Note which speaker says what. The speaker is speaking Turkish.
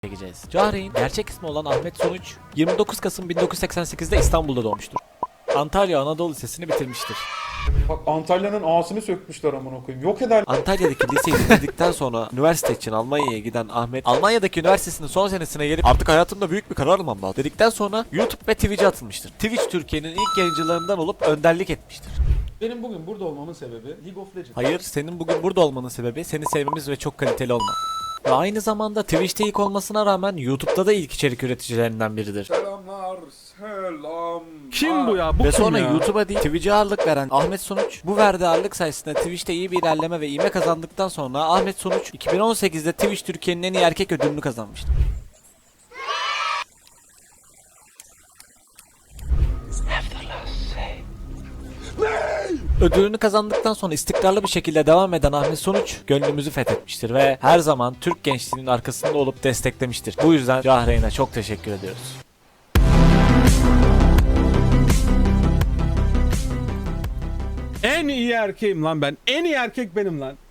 Speaker 1: çekeceğiz. Cahreyn gerçek ismi olan Ahmet Sonuç 29 Kasım 1988'de İstanbul'da doğmuştur. Antalya Anadolu Lisesi'ni bitirmiştir.
Speaker 2: Bak Antalya'nın ağasını sökmüşler amına koyayım. Yok eder.
Speaker 1: Antalya'daki liseyi bitirdikten sonra üniversite için Almanya'ya giden Ahmet, Almanya'daki üniversitesinin son senesine gelip artık hayatımda büyük bir karar almam lazım dedikten sonra YouTube ve Twitch'e atılmıştır. Twitch Türkiye'nin ilk yayıncılarından olup önderlik etmiştir.
Speaker 3: Benim bugün burada olmamın sebebi League of Legends.
Speaker 1: Hayır, senin bugün burada olmanın sebebi seni sevmemiz ve çok kaliteli olman. Ve aynı zamanda Twitch'te ilk olmasına rağmen YouTube'da da ilk içerik üreticilerinden biridir.
Speaker 2: Selamlar, selam.
Speaker 3: Kim bu ya? Bu
Speaker 1: Ve
Speaker 3: kim
Speaker 1: sonra
Speaker 3: ya?
Speaker 1: YouTube'a değil Twitch'e ağırlık veren Ahmet Sonuç, bu verdiği ağırlık sayesinde Twitch'te iyi bir ilerleme ve ivme kazandıktan sonra Ahmet Sonuç 2018'de Twitch Türkiye'nin en iyi erkek ödülünü kazanmıştı. Ödülünü kazandıktan sonra istikrarlı bir şekilde devam eden Ahmet Sonuç gönlümüzü fethetmiştir ve her zaman Türk gençliğinin arkasında olup desteklemiştir. Bu yüzden Cahreyn'e çok teşekkür ediyoruz.
Speaker 3: En iyi erkeğim lan ben. En iyi erkek benim lan.